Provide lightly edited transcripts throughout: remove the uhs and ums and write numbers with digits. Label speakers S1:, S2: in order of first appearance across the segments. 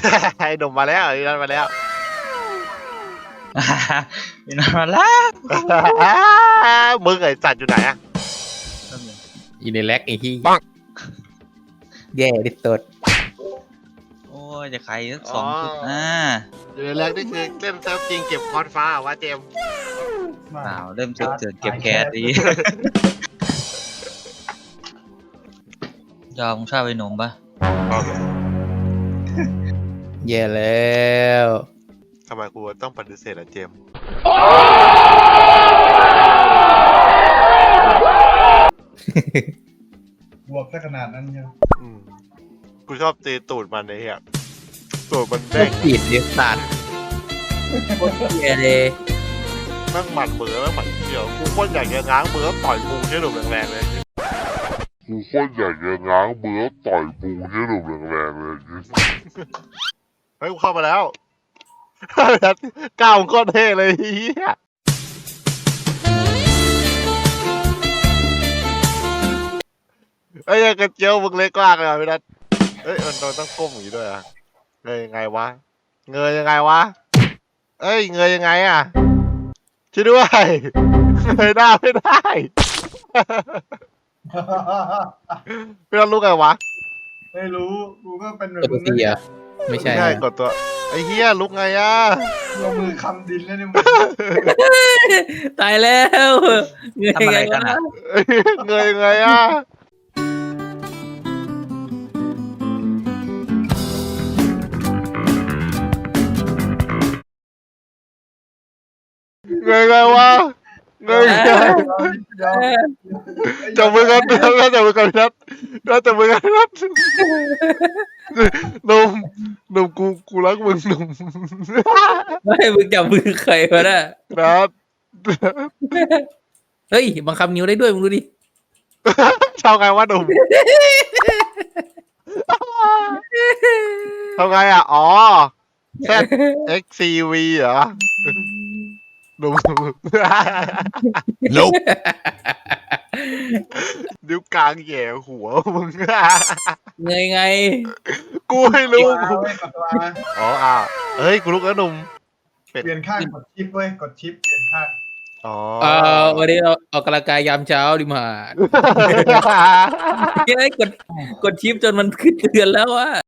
S1: ไอ้หนุ่มมาแล้วไอ้นั่นมาแล้ว
S2: อยู่นานมาแล้ว
S1: มึงไอ้สัตว์อยู่ไหนอะ
S3: อีในแล็กไอ้ที่แย่ที่สุด
S2: โอ้ยจะใครสัก2 จุด
S1: อยู่ในแรกนี่คือเล่นเซิร์ฟจริงเก็บคอนฟ้าวะเจมส์
S2: เปล่าเริ่มเจอเก็บแก๊สดียอมชอบไปหนุ่มปะ
S3: แย่แล้ว
S1: ทำไมกูต้องปฏิเสธอะเจมส์
S4: บวกซะขนาดนั้นยัง
S1: กูชอบตีตูดมันไอ้เหี้ยตูดมันเด้ง
S3: จีดเดือดสัตว์โคตรแย่เลย
S1: แม่งหมัดมือแม่งหมัดเกี่ยวกูโคตรอยากจะง้างมือแล้วต่อยกูใช่หนุ่มแรงๆเลยกูโคตรอยากจะง้างมือแล้วต่อยกูใช่หนุ่มแรงๆเลยเฮ้ยกูเข้ามาแล้วก้าวโคตรเท่เลยเฮียเอ้ยกระเจียวมึงเล็กกว้างเลยพี่นัทเอ้ยมันต้องก้มอย่างนี้ด้วยอ่ะเงยยังไงวะเงยยังไงวะเอ้ยเงยยังไงอ่ะช่วยด้วยเงยหน้าไม่ได้พี่นัทรู้ไงวะ
S4: ไม่รู้กูก็เป็นแบบ
S3: กดตัว
S4: มึง
S3: ทีอ่ะไม่ใช่
S1: กดตัวไอ้เฮียลุกไงอ่ะ
S4: ลงมือคำดินแล้วเนี่ยมึง
S3: ตายแล้วเงย
S2: ทำอะไร
S3: ไง
S2: กัน
S3: วะ
S2: อ่ะ
S1: เงยยังไงอ่ะเงยไงวะเงยไง
S4: เดี๋ยว
S1: จับมือกันแล้วจับมือกันนัดแล้วจับมือกันนัดหนุ่มกูรักมึงหนุ่ม
S3: ไม่มึงจับมือใครวะน่ะ
S1: นัด
S3: เฮ้ยบังคับนิ้วได้ด้วยมึงดูดิ
S1: ทำไงวะหนุ่มทำไงอ่ะอ๋อ ZXCV เหรอหนุ่มนิ้วกลางแย่หัวมึง
S3: เงยไง
S1: กูไม่รู้
S4: เอาไว้กดตัวนะ
S1: อ๋อเฮ้ยกูลุกแล้วหนุ่ม
S4: เปลี่ยนข้างกดชิปเว้ยกดชิปเปลี่ยนข้าง
S1: อ๋อ
S3: วันนี้เราออกกำลังกายยามเช้าดิมาเฮ้ยกดชิปจนมันขึ้นเตือนแล้วว่า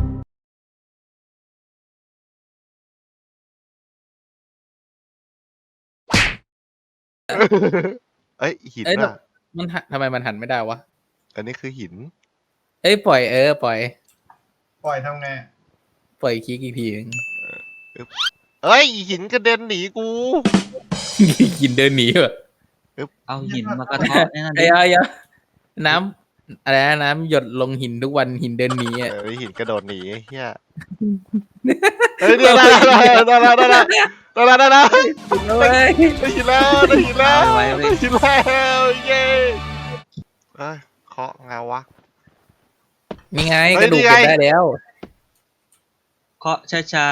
S1: เอ้ยหิน
S3: เอ้ย
S1: อ่ะ
S3: มันทำไมมันหันไม่ได้วะ
S1: อันนี้คือหิน
S3: เอ้ยปล่อยปล่อย
S4: ปล่อยทำไง
S3: ปล่อยคลิกอีกทีนึง
S1: เอ้ยหินกระเด็นหนีกู
S3: กินเดินหนีว่ะ
S2: เอาหินมากระเทาะนั่น
S3: ไอ้ยาน้ำอะไรนะน้ำหยดลงหินทุกวันหินเดินหนีอ่ะ
S1: หินกระโดดหนีเฮียเฮ้ยได้แล้ว
S3: เว้ย
S1: ได้หินแล้วได้หินแล้ว
S2: เอาไว้
S1: ได้หินแล้วเย้เอ้ยเคาะไงวะ
S3: นี่ไง
S1: เฮ้
S3: ก
S1: ย
S3: ระดูก
S1: นี่ไง
S3: เก็บได้แล้ว
S2: เคาะช้า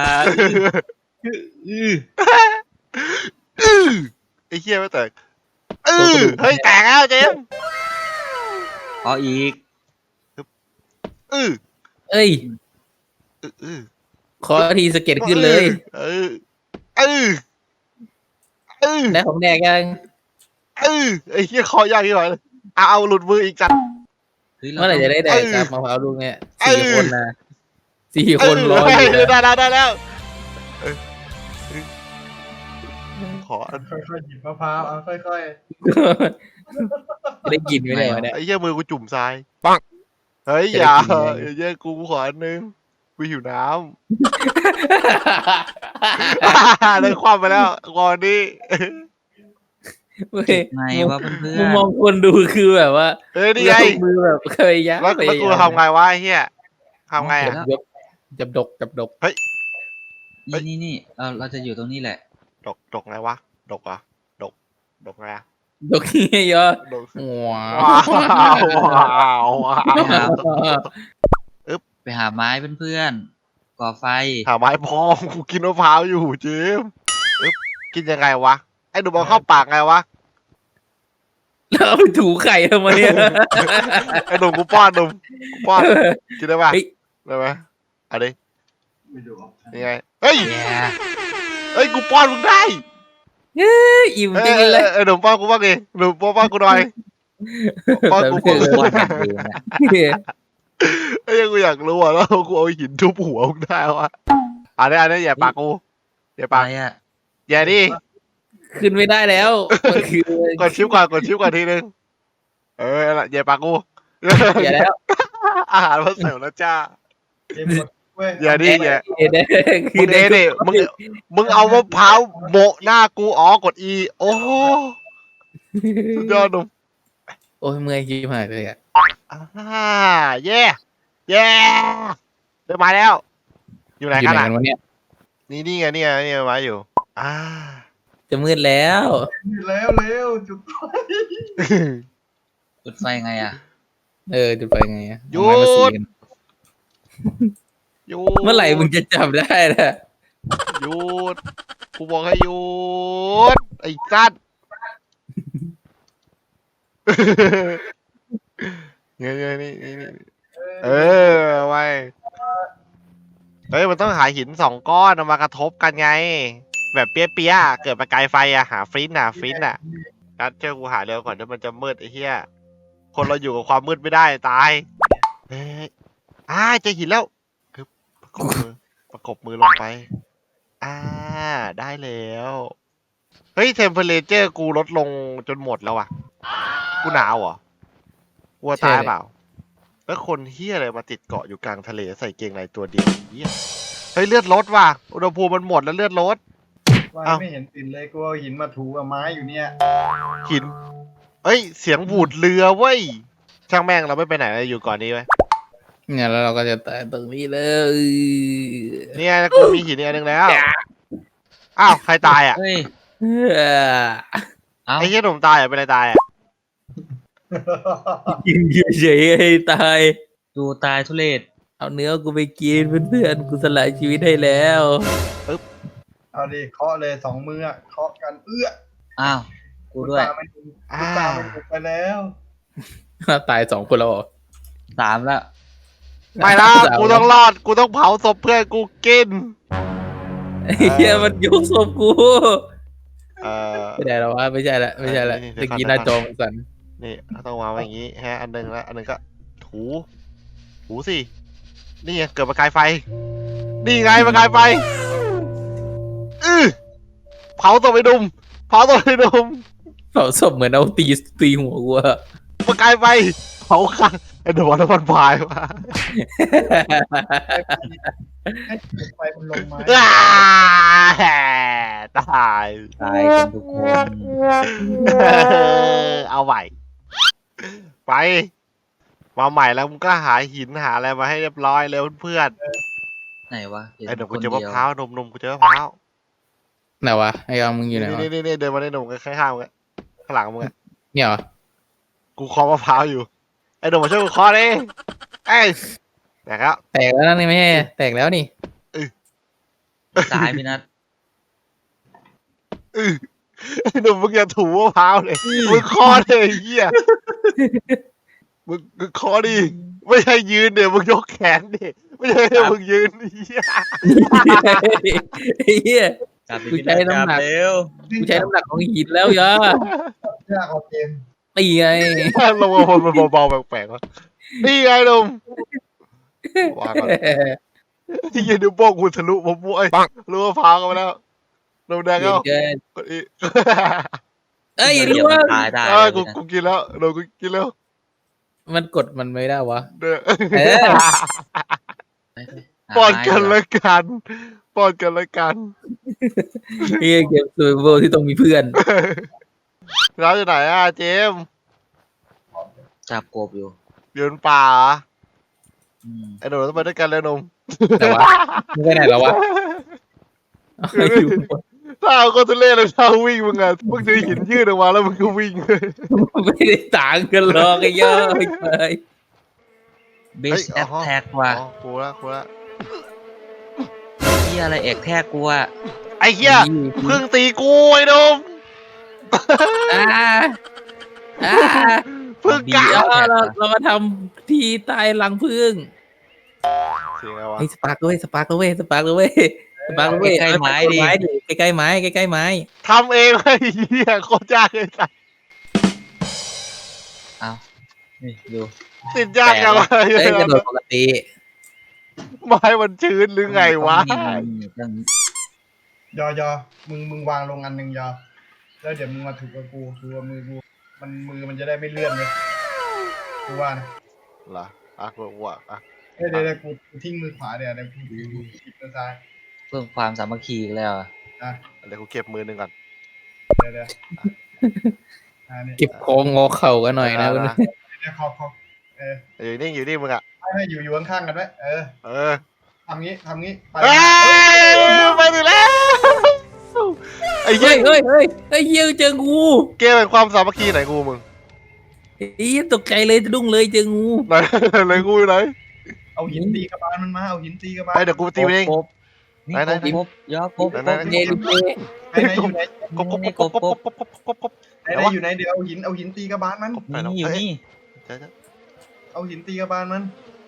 S1: ไอ้เฮียไม่แตกเฮ้ยแตกแล้วเจม
S2: ๆเคาะอีก
S1: เอ้ย
S3: เอ้ยขอทีสะเก็ดขึ้นเลย ได้ของแดกยัง
S1: ไอ้เฮียคอยากที่หน่อยเอาหลุดมืออีกจัด
S2: เฮ้ย
S3: เมื่อไหร่จะได้แดกครับมะพร้าวลูกเนี่ย
S1: เอ้ย
S3: 4 คนนะ4 คนรออยู่
S1: ได้
S3: นะ
S1: แล้วขอ
S4: ค่อยๆหยิบมะพร้าวเอาค่อย
S3: ได้กินไหมเนี่ยวะเนี่ย
S1: ไอ้เหี้ยมือกูจุ่มทรายปังเฮ้ยอย่าเหี้ยกูขออันนึงกูหิวน้ำได้ความไปแล้วก่อนนี้
S3: เว้ย
S2: ไงวะเพื่
S3: มุ
S2: อ
S3: ม
S2: น
S3: มองคนดูคือแบบว่า
S1: เฮ้ยนี่ไง
S3: ยกมือแบบเคยยัก
S1: แล้วกูทำไงวะไอ้เหี้ยทำไงอ่ะ
S3: ยกจับดก
S2: นี่เราจะอยู่ตรงนี้แหละ
S1: ดกไงวะดกเหรอ่ะดกไงอ่ะ
S3: ดกเงี้ยเยอะ
S1: ดก
S3: ว้า
S1: ว้าว
S2: ไปหาไม้เพื่อนๆก่อไฟ
S1: หาไม้พองกูกินมะพร้าวอยู่เจมกินยังไงวะไอ้หนูบอกเข้าปากไงวะ
S3: แล้วเอาไปถูไข่ทำไมเนี่ย
S1: ไอ้หนุ่มกูป้อนหนุ่มกูป้อนกินได้ปะ
S3: เฮ้ย
S1: ได้ไหมเอาดิ
S4: ไม่ดู
S1: นี่ไงเฮ้ย
S2: แย่
S1: เฮ้ยกูป้อนมึงได้
S3: อิ่มจริงเลย
S1: หนุ่มป้อนกูบ้างดิหนุ่มป้อนกูหน่อยป้อนกู
S3: แบบ
S2: ป้อนกันเองอะ
S1: เฮ้ยกูอยากรู้อ่ะแล้วกูเอาหินทุบหัวมึงได้วะอันนี้อย่าปากกูอย่า
S2: อะ
S1: ปาก
S2: ไรอ่ะ
S1: อย่าดิ
S3: ขึ้นไม่ได้แล้วมันคือก
S1: ดชิปก่อนทีนึงอย่าปากกู
S3: อย่าแล้ว
S1: อาหารมาเสิร์ฟแล้วจ้า
S4: เกมกดเว้ย
S1: อย่าดิอย่า
S3: คื
S1: มึงดิมึงเอามะพร้าวโบะหน้ากูอ๋อกด E โอ้โหสุดยอดหนุ่ม
S3: โอ้ยเมื่อยขี้มากเลยอ่ะ
S1: เย่ได้มาแล้ว อยู่ไหน
S3: อยู่
S1: กัน
S3: ไหน
S1: อ่ะ
S3: กันวะเนี่ย
S1: นี่ไงมาอยู่
S3: จะมืดแล้ว
S4: แล้วเร็วจุดไฟ
S2: จุดไฟไงอ่ะ
S3: จุดไฟไงอะ
S1: หยุด
S3: เอาไม้มาสีกัน
S1: หยุด
S3: เมื่อไหร่มึงจะจับได้ล่ะ
S1: หยุดกูบอกให้หยุดไอ้สัตว์นี่ไว้เฮ้ยมันต้องหาหิน2 ก้อนเอามากระทบกันไง แบบเปี้ยๆเกิดประกายไฟอะหาฟินอะนัดเจอกูหาเร็วก่อนเดี๋ยวมันจะมืดไอ้เหี้ยคนเราอยู่กับความมืดไม่ได้ตายเฮ้ยเจอหินแล้วคือประกบมือลงไปได้แล้วเฮ้ยเทมเพลเจอร์กูลดลงจนหมดแล้วอะกูหนาวเหรอวัวตายเปล่าแล้วคนเฮี้ยอะไรมาติดเกาะอยู่กลางทะเลใส่เกงในตัวเดียวเฮี้ยเฮ้ยเลือดลดว่ะอุณหภูมิมันหมดแล้วเลือดลด
S4: ว่า
S1: เอ้า
S4: ไม่เห็นติดเลยกูเอาหินมาถูกับไม้อยู่เนี่ย
S1: หินเอ้ยเสียงบูดเรือเว้ยช่างแม่งเราไม่ไปไหนเราอยู่ก่อนนี้ไว้
S3: เนี่ยแล้วเราก็จะตายตรงนี้เลย
S1: เนี่ยกูมีหินอีกอันหนึงแล้วอ้าวใครตายอ่ะ
S2: เฮ้ย เอ้า
S1: ไอ้เหี้ยหนุ่มตายอ่ะเป็นอะไรตายอ่ะ
S3: ยิงเฉยๆให้ตาย
S2: ดูตายทุเรศ
S3: เอาเนื้อกูไปกินเพื่อนๆกูสละชีวิตให้แล้ว
S4: เอาดิเคาะเลย2 มืออะเคาะกัน
S2: อ้าว กูด้วย
S4: ตาไม่ถูกตาไม่ถูกไปแล้ว
S3: ตาย2 คนแล้วเหรอ
S2: 3แล้ว
S1: ไม่ละกูต้องรอดกูต้องเผาศพเพื่อนกูกิน
S3: ไอ้เฮียมันยกศพกู
S1: เออ
S3: ไม่ได้แล้ววะไม่ใช่ละไม่ใช่ละ
S1: เดี๋
S3: ตะ
S1: ยวก่อน
S3: กี้หน้าจอมันสั่น
S1: นี่ต้องวางไว้อย่างงี้ฮะอันหนึงแล้วอันหนึงก็ถูสินี่ไงเกิดประกายไฟนี่ไงประกายไฟเผาตัวไปดุมเผาตัวไปดุม
S3: เผาศพเหมือนเอาตีหัวกูอะ
S1: ประกายไฟเผาข้างไอ้เดวันน้ำมันพายมา
S4: ให้จุดไฟมันลงไม้
S1: ตาย
S2: ตายกันทุกคน
S1: เอาใหม่ไปมาใหม่แล้วมึงก็หาหินหาอะไรมาให้เรียบร้อยเลยเพื่อน
S2: ไหนวะ
S1: ไอ้หนุ่ม
S2: ค
S1: กู
S2: น
S1: เจอ
S2: เดี
S1: มะ
S2: ยว
S1: พร้าวหนุ่มกูเจอมะพร้าว
S3: ไหนวะไอ้กางมึงอยู่ไหนวะ
S1: นี่เดินมาในหนุ่มข้างๆมึงข้างหลังมึง
S3: เนี่ยเหรอ
S1: กูเคาะมะพร้าวอยู่ไอ้หนุ่มมาช่วยกูเคาะดิเอ้ยแต่ครับ
S3: แตกแล้วนี่ไม่ใช่แตกแล้วนี่
S2: ตายพี่นัท
S1: ไอ้หนุ่มมึงอย่าถูมะพร้าวเลยมึงเคาะเลยไอ้เหี้ยมึงเคาะดิไม่ใช่ยืนเดี๋ยวมึงยกแขนดิไม่ใช่ให้มึงยืนไอ้เหี้ย
S3: ไอ้เหี้ย
S2: กลับไป
S3: กู
S2: พี่
S3: ใช้
S2: นัท
S3: น้ำหนัก
S2: เร็ว
S3: กูใช้น้ำหนักของหินแล้วยาย
S4: ากเอาเกม
S3: ตีไง
S1: ลงมาคนมันเบาๆแปลกๆวะนี่ไงหนุ่มวางก่อนที่ยืนดูโป้งกูทะลุมะม่วงรู้ว่าพร้าวกันไปแล้วหนุ่มแดง
S3: เก่
S1: ก็
S3: งเกิน
S1: กดอี
S3: เอ้ย
S2: เดี๋
S3: รู้
S2: ยวมั
S3: ว่าน
S2: ตายได้
S1: กูกินแล้วหนุ่มกูกินแล้ว
S3: มันกดมันไม่ได้วะ
S1: เด้อ
S3: เออ
S2: ไปๆ
S1: ปอนกัน
S2: หาไม้
S1: ละกันปอนกันละกัน
S3: เฮียเกมซูเปอร์ที่ต้องมีเพื่อน
S1: เราอยู่ไหนอ่ะเจมส์
S2: จับกบอยู่
S1: อยู่ในป่าเหรอ
S2: อืม
S1: ไอ้หนุ่มต้องไปด้วยกันเลยหนุ่ม
S3: แต่วะมึงไปไหนแล้ววะเอาอยู่
S1: ถ้าเอาก็ทุเล่เลยถ้าวิ่งมึงอ่ะมึงจะหินยืดออกมาแล้วมึงก็วิ่งเลย
S3: ไม่ได้ต่างกันหรอกไอ้เหี้ยอะไป
S2: เบสแอทแท็กว่ะ
S1: อ๋อกูละ
S2: ที่อะไรแอกแท็กกูอ่ะ
S1: ไอ้เหี้ยเพิ่งตีกูไอ้หนุ่ม
S3: อ่าอ่า
S1: เพิ่งกะ
S3: เดี๋ยวเรามาทำทีตายหลังพึ่ง
S1: ทีไงวะ
S3: ไอ้สปาร์กด้วยสปาร์กด้วยสปาร์กด้วยสปาร์กด้วย
S2: ใกล้ๆไม้ดิ
S3: ใกล้ๆไม้ใกล้ๆไม้
S1: ทำเองไอ้เหี้ยโคตรยากเลยสัส
S2: เอานี่ดู
S1: ติดยากจังวะ
S3: เอ้ยกระโดดปกติ
S1: ไม้มันชื้นหรือไงวะ
S2: ต้อง
S4: ยอมึงวางลงอันหนึ่งยอแล้วเดี๋ยวมึงมาถูกกับกูถูกกับมือกูมือมันจะได้ไม่เลื่อนเลยกูว่านะ
S1: เหรออ่ะกูว่าอ่ะ
S4: เดี๋ยวกูทิ้งมือขวาเดี๋ยวกูหยิบมือซ้าย
S2: เพิ่มความสามัคคีอีกแล้วอะ
S4: อ่ะ
S1: เดี๋ยวกูเก็บมือหนึ่งก่อน
S4: เดี๋ยวนี่
S3: เก็บโค้งงอเข่ากันหน่อยนะ
S1: เ
S4: เดี๋ยวขอบ
S1: อยู่นี่อยู่นี่มึงอ่ะ
S4: ให้อยู่ข้างๆกันไว้
S1: เออ
S4: ทำงี้ไป
S1: เอ้ยไปถึงแล้วไอ้เหี้
S3: เฮ้
S1: ย
S3: ยไอ้เหี้ยเจองู
S1: เกมเป็นความสามัคคีไหนกูมึง
S3: ไอ้เหี้ยตกใจเลยสะดุ้งเลยเจองู
S1: ไหนไหนกูอยู่ไหน
S4: เอาหินตีกระบาลมันมาเอาหินตีกระบาล
S1: ไอ้เดี๋ยวกูตีมันเอง
S2: ครบนี่
S1: ไหน
S2: ครบยอครบ
S1: ไหน
S3: เนลิเก
S4: ไหนอยู่ไหน
S1: กบกบกบกบกบกบกบกบ
S4: ไหนอยู่ไหนเดี๋ยวเอาหินตีกระบาลมัน
S2: นี่อยู่นี่
S4: เอาหินตีกระบาลมัน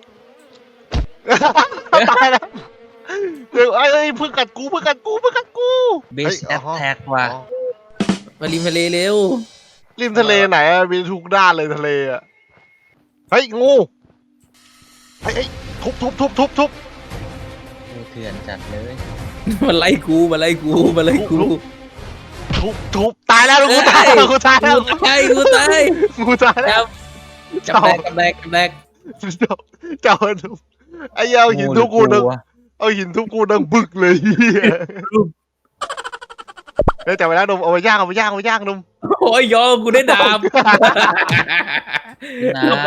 S1: ตายแล้วเดี๋ยวไอ้เพิ่งกัดกูเพิ่งกัดกูเพิ่งกัดกู
S2: เบสแอทแท็กว่ะ
S3: มาริมทะเลเร็ว
S1: ริมทะเลไหนอะมีทุกด้านเลยทะเลอะเฮ้ยงูเฮ้ยทุบ
S2: ดูเถื่อนจัดเลย
S3: มาไล่กูมาไล่กูมาไล่กู
S1: ทุบตายแล้วกูตายแล้วกูตายแล้ว
S3: กูตายกูตาย
S1: กูตายแล้ว
S3: กับแดก
S1: เจ้าทุบไอ้เอาหินทุบกูดังเอาหินทุบกูดังบึกเลยเฮียเฮ้ยจับไปแล้วนมเอาไปย่างนม
S3: โอ้ยยอกูได้ดาบ
S2: นะ
S3: ลงไป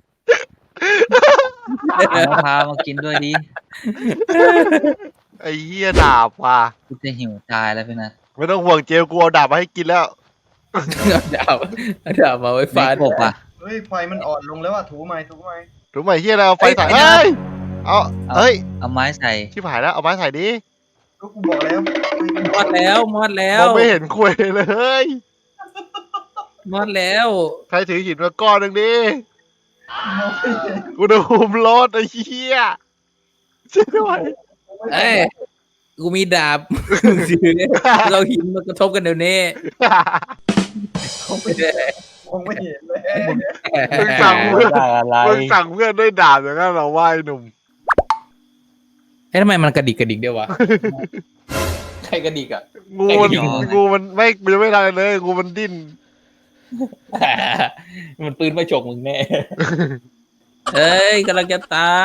S2: เอามะพร้าวมากินด้วยดิ
S1: ไอ้เหี้ยดาบว่ะ
S2: กูจะหิวตายแล้วพี่นัท
S1: ไม่ต้องห่วงเจลกูเอาดาบมาให้กินแล้ว
S3: ดาบมาไว้
S2: ฟา
S3: ฟาด
S2: กบอ่ะ
S4: เฮ้ยไฟมันอ่อนลงแล้วอ่ะถูไหม
S1: ถูกไหมเหี้ยเราเอาไฟใส่เฮ้ยเอาเฮ้ย
S2: เอาไม้ใส่
S1: ชิบหายแล้วเอาไม้ใส่ดิ
S4: ก็กูบอกแล้ว
S3: มอดแล้ว
S1: มองไม่เห็นคุยเลย
S3: มอดแล้ว
S1: ใครถือหินมาก้อนหนึ่งดิกูโดนหุมรถไอ้เหี้ยช่วยด้วย
S3: เอ้ยกูมีดาบเราหินมากระทบกันเดี๋ยวนี้
S4: คงไม่เห็นเลย
S1: มึงสั่งเพื่อน
S2: ได้อะไร
S1: มึงสั่งเพื่อนด้วยดาบอย่างนั้นเราไหว้หนุ่ม
S3: เฮ้ยทำไมมันกระดิกเดียววะใครกระดิกอ่ะ
S1: งูมันไม่ยังไม่ทำอะไรเลยงูมันดิ้น
S3: มันปืนมาฉกมึงแน่ เอ้ยกำลังจะตาย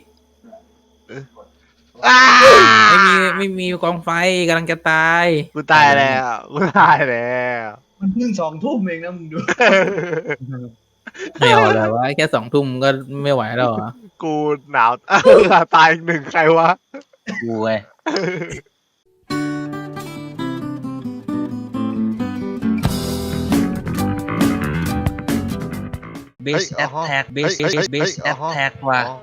S1: อ้า
S3: ไม่มีกองไฟกำลังจะตาย
S1: กูตายแล้วกูตายแล้ว
S4: มันเพิ่ง2 ทุ่มเองนะมึงดู
S3: ไม่เอาแล้ววะแค่2 ทุ่มก็ไม่ไหวแล้วเหรอ
S1: กูหนาวตายอีกหนึ่งใครวะ
S2: กูเว้ย เบสแอทแท็กเบสแอทแท็กว่ะ